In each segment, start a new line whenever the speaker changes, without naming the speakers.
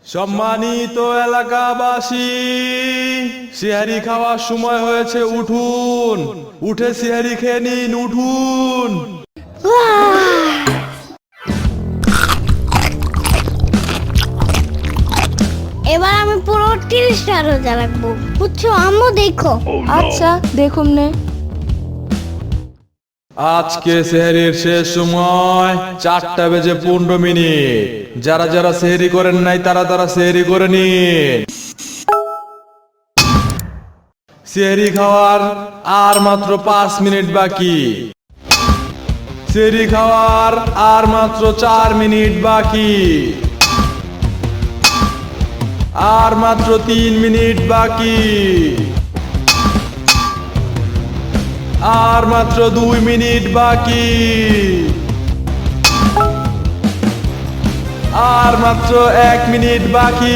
সম্মানিত এলাকাবাসী, সিহারি খাওয়ার সময় হয়েছে, উঠুন, উঠে সিহারি খেয়ে নিন, উঠুন।
এবার আমি পুরো 30টা রোজা রাখবো, বুঝছো আম্মু? দেখো।
আচ্ছা দেখুন নে।
আজকে সেহরির শেষ সময় 4:15। যারা যারা সেহরি করেন নাই তারা তারা সেহরি করে নিন। সেহরি খাওয়ার আর মাত্র 5 মিনিট বাকি। সেহরি খাওয়ার আর মাত্র 4 মিনিট বাকি। আর মাত্র 3 মিনিট বাকি। আর মাত্র 2 মিনিট বাকি। আর মাত্র 1 মিনিট বাকি।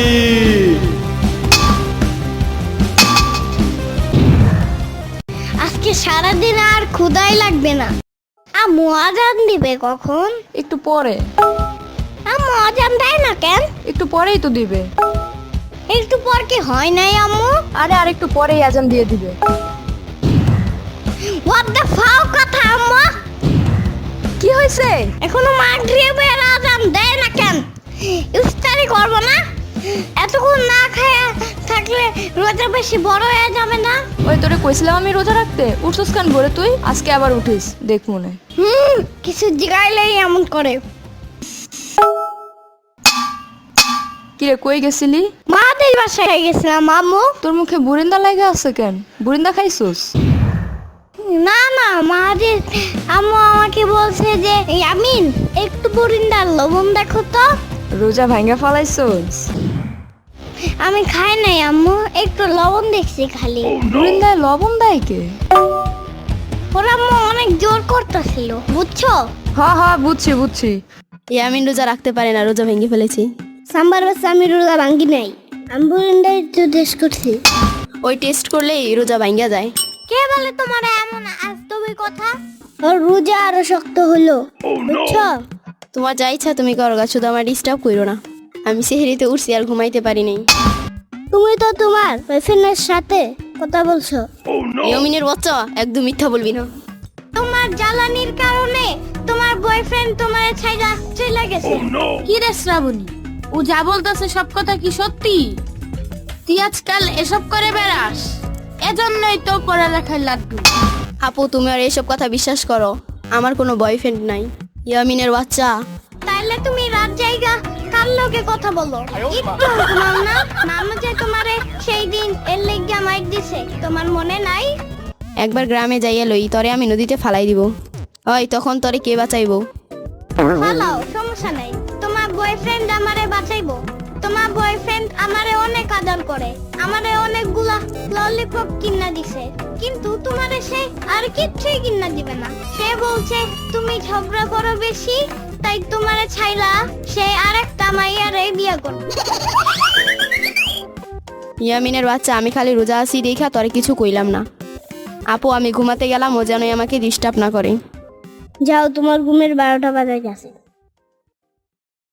আজকে সারাদিন আর ক্ষুধাই লাগবে না। আম্মু আজান দিবে কখন?
একটু পরে।
আম্মু আজান দেয় না কেন?
একটু পরেই তো দিবে।
একটু পর কি হয় নাই আম্মু?
আরে আর একটু পরেই আজান দিয়ে দিবে।
হোয়াট দ্য ফাও কথা আম্মু?
কি হয়েছে?
এখনো মাগরিবের আজান দেয় না কেন? ইফতারি করব না? এতক্ষণ না খায়া থাকলে রোজা বেশি বড় হয়ে যাবে না?
ওই তোরে কইছিলাম আমি রোজা রাখতে, উঠছস কেন ভোরে তুই? আজকে আবার উঠিস, দেখ মনে।
কিছু জিগাইলেই এমন করে।
কিরে কই গেছিলি?
মাদের বাসায় গেছিলাম আম্মু।
তোর মুখে বুরিন্দা লাগা আছে কেন? বুরিন্দা খাইছস?
না না, মাদের আম্মু আমাকে বলছে যে ইয়ামিন একটু বরিন্দার লবণ দেখো তো।
রোজা ভাঙ্গা ফালাইছস?
আমি খাই নাই আম্মু, একটু লবণ দেখছি খালি।
বুরিন্দায় লবণ দেয় কে?
ওরা আম্মু অনেক জোর করতেছিল, বুঝছো?
হ্যাঁ হ্যাঁ বুঝছি বুঝছি।
ইয়ামিন রোজা রাখতে পারে না, রোজা ভেঙে ফেলেছি।
সাম্বার বাচ্চা আমি রোজা ভাঙ্গি নাই, আমি বরিন্দায় একটু টেস্ট করছি।
ওই টেস্ট করলেই রোজা ভাঙ্গা যায়।
কে বলে তোমার এমন আজতবি কথা? ওর রোজা আরো শক্ত হলো, বুঝছো?
তোমার যা ইচ্ছা তুমি করো গা, শুধু আমার ডিস্টার্ব করো না। আমি সেহরিতে উঠছি আর ঘুমাইতে পারি নাই।
তুমি তো তোমার বয়ফ্রেন্ডের সাথে কথা বলছো।
ইয়ামিনের বাচ্চা, একদম মিথ্যা বলবি না।
তোমার জ্বালানির কারণে তোমার বয়ফ্রেন্ড তোমার ছাইড়া চলে গেছে।
কি রে শ্রাবণী, ও যা বলতেছে সব কথা কি সত্যি? তুই আজকাল এসব করে বেড়াস, এজন্যই তো পড়ালেখায় লাড্ডু।
আপু তুমি আর এসব কথা বিশ্বাস করো, আমার কোনো বয়ফ্রেন্ড নাই। ইয়ামিনের বাচ্চা,
তাইলে তুমি রাত জায়গা কার লগে কথা বলো? একটু ঘুমাও না? মামা যে তোমারে সেই দিন এর লেগা মাইক দিছে, তোমার মনে নাই?
একবার গ্রামে যাইয়া লই, তরে আমি নদীতে ফালাই দিব। ওই তখন তরে কে বাঁচাইবো?
ফালাও, সমস্যা নাই। তোমার বয়ফ্রেন্ড আমারে বাঁচাইবো। তোমার বয়ফ্রেন্ড আমারে অনেক আদর করে, আমারে অনেকগুলা ললিপপ কিনা দিছে, কিন্তু তোমারে সে আর কিচ্ছুই কিনা দিবে না। সে বলছে তুমি ঝগড়া করো বেশি, তাই তোমারে ছাইলা সে আরেকটা মাইয়ারে বিয়ে করবে।
ইয়ামিনের বাচ্চা, আমি খালি রোজা আছি দেখা তরে কিছু কইলাম না। আপু আমি ঘুমাতে গেলাম, ও যেন আমাকে ডিস্টার্ব না করে।
যাও, তোমার ঘুমের 12টা বাজে গেছে।